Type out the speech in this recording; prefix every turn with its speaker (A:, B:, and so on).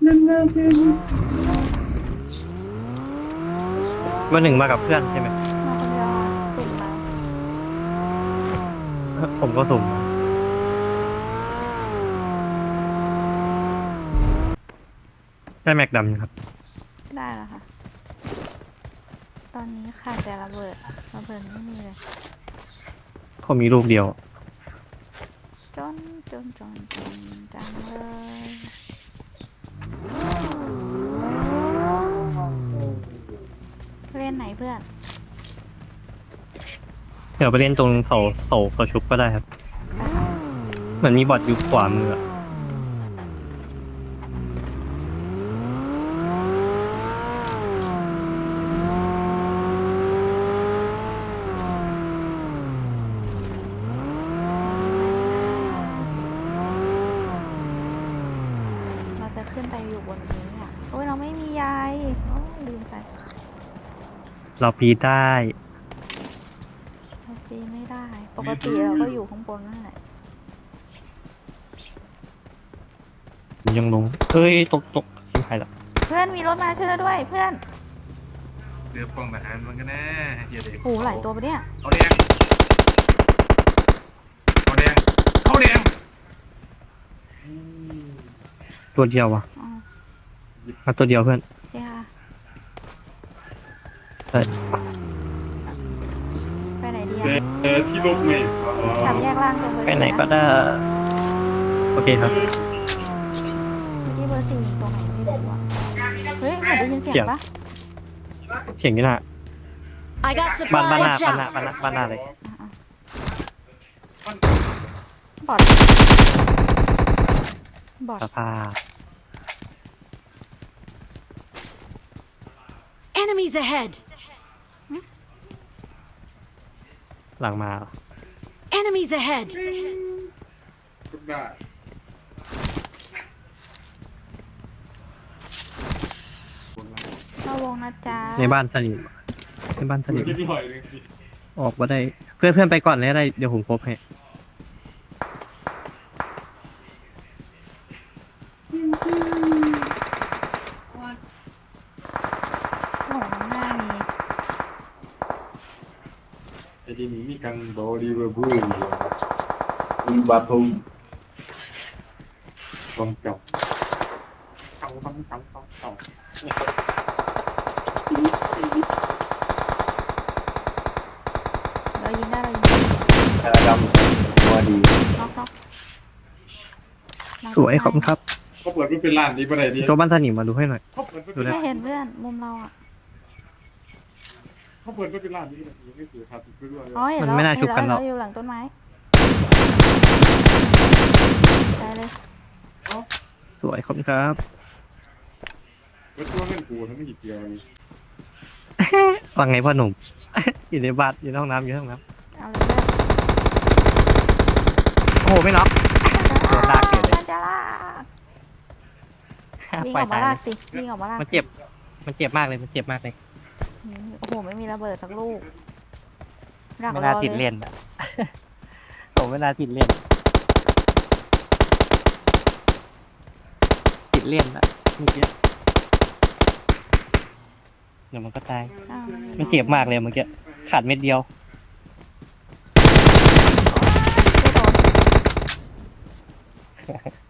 A: วันหนึ่งมากับเพื่อนใช่ไหม
B: มาคนเดียวอะสุ่มมา
A: ผมก็สุ่มได้แม็กดำครับ
B: ได้แล้วค่ะ ตอนนี้ขาดแต่ระเบิดไม่มีเลย
A: ผมมีลูกเดียว
B: จนจังเลยเล่นไหนเพื่อน
A: เดี๋ยวไปเล่นตรงเสาชุบก็ได้ครับ เหมือนมีบอทอยู่ขวามืออะ
B: เราจะขึ้นไปอยู่บนนี้อ่ะโอ้ยเราไม่มียายโอ้ยลืมไป
A: เราพีได้
B: เราปีนไม่ได้ ปกติเราก็อยู่ข้างบนนั่นแหละ
A: ผมยังลงเอ้ยตกชิบหายละ
B: เพื่อนมีรถมาช่วยเราด้วยเพื่อน
C: เรือปองทหารมันก็แน่เฮียเด็ก
B: โอ้หลายตัวปะเนี่ย
C: เขาแดงเขาแดงเขาแดง
A: ตัวเดียววะ
B: อ๋อ
A: มาตัวเดียวเพื่อน
B: โอเคค่ะ
A: ใช่
B: ไปไหนดีอะ
C: ที่ลบไม่
B: สามแยกล่างตรงเบอร์
A: ไป
B: สี่
A: ไหนก็
B: นะ
A: ได้ โอเคครับ
B: เมื่อกี้เบอร์สี่ตรงไหนไม่รู้อะเฮ้ยเหมือนได้ยินเสียงปะ
A: เสียงนี่นะ
D: I got
A: บ้านหน้า
D: supplies.
A: บ้านหน้าเลย
B: บอดบอด
A: สภาพ
D: Enemies ahead.
A: หลังมา
D: Enemies ahead.
C: ทุกได้
B: เข้าวงนะจ๊ะ
A: ในบ้านสนิทในบ้านสนิท
C: ที่หน่อยนึงสิ
A: ออกมาได้ เพื่อนไปก่อนเลยได้ เดี๋ยวผมครบให้
B: โอ้โหข้างหน้ามี
C: แต่ทีนี้มีการบอดี้เวอร์บูมีบาทุมต้องจับต้อง
B: เรายิงได้เรายิงได้
A: ดำตัวดี
B: น็อก
A: สวยขอบคุณครับ
C: เขาเปิดก็เป็นร้านนี้ปะไหนดี
A: ตัวบ้านสนิทมาดูให้หน่อย
C: เขาเปิดก็
A: ดู
C: เป็น
A: นะ
B: ไม่เห็นเพื่อนมุมเราอ่ะ
C: เขาเปิดก็เป็นร้านนี้ยังไม่เสียค่าติดด้วย
B: อ๋อเห็นแล้ว
A: มันไม่น่าชุบกันหรอก
B: เราอยู่หลังต้นไม้ได้เลย
A: สวยขอบคุณครับ
C: ก็ช่วงเล่นกูทั้งไม่หยิบเดียวเลย
A: ว่าไงพ่อหนุ่ม อยู่ในบ้านอยู่ในห้องน้ำอยู่ในห้องน้
B: เอาเลย
A: ำโอ้โหไม่น็อก โดนลากเกิดเลย
B: จะลากวิ่ง
A: ป
B: อ
A: ล่อ
B: อย กมา
A: ตาย
B: ลา
A: เล
B: ก
A: ย
B: สิวิ่งออกมาลาก
A: มันเจ็บ มันเจ็บมากเลย มันเจ็บมากเลย
B: โอ้โหไม่มีระเบิดสักลูกดัก
A: ไม่
B: ร
A: น่า
B: อ
A: ติด
B: เลย
A: เล่นอะ ผมไม่น่าติดเล่น ติดเล่นอะเมื่อกี้เดี๋ยวมันก็ตาย
B: อ้าว
A: มันเจ็บมากเลยเมื่อกี้ ขาดเม็ดเดียว
B: ไม่โดน